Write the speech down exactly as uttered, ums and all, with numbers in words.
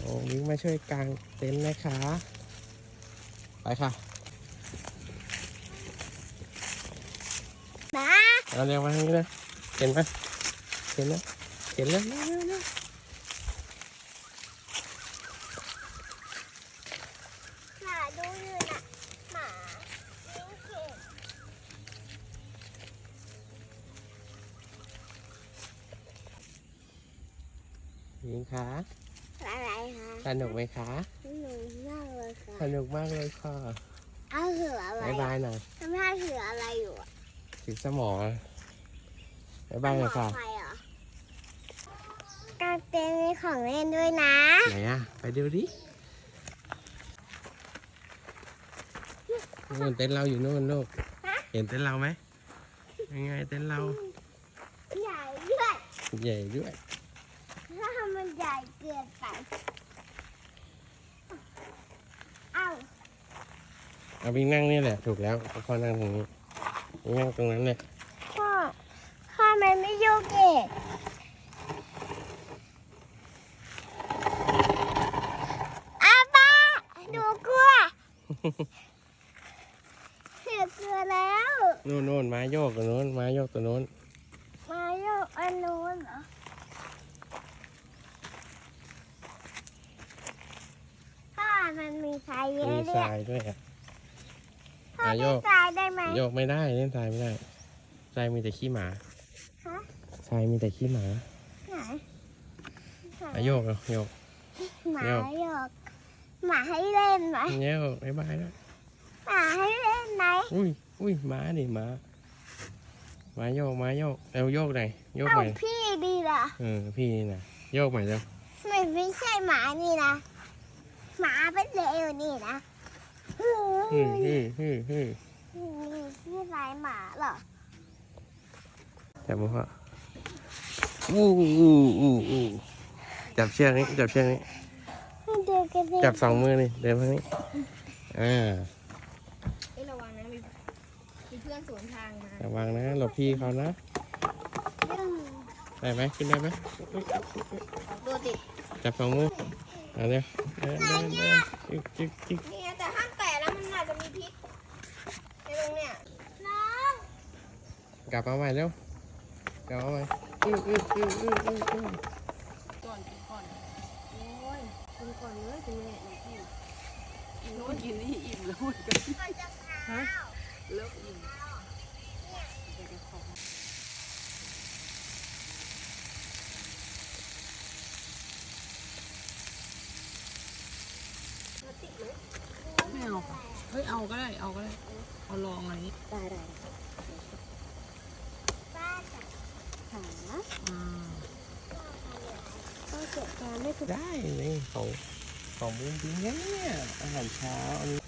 อ้วิ่งมาช่วยกางเต็นท์นะคะไปค่ะมาเอาเร็วมาทางนี้นะเห็นไหมเห็นไหมเห็นแล้วเร็วเร็วเร็วหมาดูอยู่นะหมาวิ่งเก่งยิงคะอะไรคะสนุกไหมคะสนุกมากเลยค่ะสนุกมากเลยค่ะเอาถืออะไรบายบายหน่อยทำไมถืออะไรอยู่อะถือสมองบายบายเลยค่ะใครเหรอการเต้นมีของเล่นด้วยนะไหนอะไปดูดินู่นเต็นท์เราอยู่นู่นลูกเห็นเต็นท์เราไหมยังไงเต็นท์เราใหญ่ด้วยใหญ่ด้วยถ้ามันใหญ่เกินไปเอ้าเอาวิ่งนั่งนี่แหละถูกแล้วพ่อนั่งตรงนี้วิ่งนั่งตรงนั้นเลยพ่อพ่อมันไม่โยกเองอาป้าดูกลัวเสียเกลือแล้วโน่นโน่นไม้โยกตัวโน้นไม้โยกตัวโน้นมาโยกอันนู้นเหรอพ่อมันมีทรายเยอะมีเลทราย ยด้วยอะพ่ออ่ะโยเล่นกทรายได้ไหมโยกไม่ได้เล่นทรายไม่ได้ทรายมีแต่ขี้หมาฮะทรายมีแต่ขี้หมาไหนอ่ะโยกเอาโยกหมาโยกโยกหมาให้เล่นไหมโยกบายบายแล้วหมาให้เล่นไหมอุ้ยอุ้ยหมาดิหมาหมาโยกหมาโยกเร็วโยกหน่อยโยกเอ้าใหม่พี่ดีล่ะเออพี่นี่นะโยกใหม่เร็วไม่ไม่ใช่หมานี่นะหมาเป็นเลวนี่นะเฮ้ฮึ่ยฮึ่ฮึ่ฮึ่นี่ลายหมาเหรอจับมือพ่ออู้อู้อู้อู้จับเชือกนี้จับเชือกนี้เดินกันเลยจับสองมือนี่เดินทางนี้อ่าเอ้ยระวังนะมีมีเพื่อนสวนทางมาระวังนะหลบพี่เขานะได้ไหมขึ้นได้ไหมตัวติดจับสองมือเอาเร็วเดินเดินเดินจิ๊กจิ๊กจิ๊กนี่ไงแต่ห้ามแตะแล้วมันอาจจะมีพิษในตรงเนี้ยน้องกลับมาใหม่เร็วกลับมาใหม่อื้ออื้ออื้ออื้ออื้ออื้อก่อนกินก่อนโอ้ยกินก่อนเลยกินเลยกินโน้นกินนี่อิ่มแล้วเหมือนกันฮะเลิกอิ่มเดี๋ยวจะขอไม่เอาค่ะเฮ้ยเอาก็ได้เอาก็ได้เอาลองอันนี้ได้ได้ป้าจับขาอ่าก็เก็บการไม่ถูกได้นี่ของของบุ้งบิ้งเนี่ยอาหารเช้าอันนี้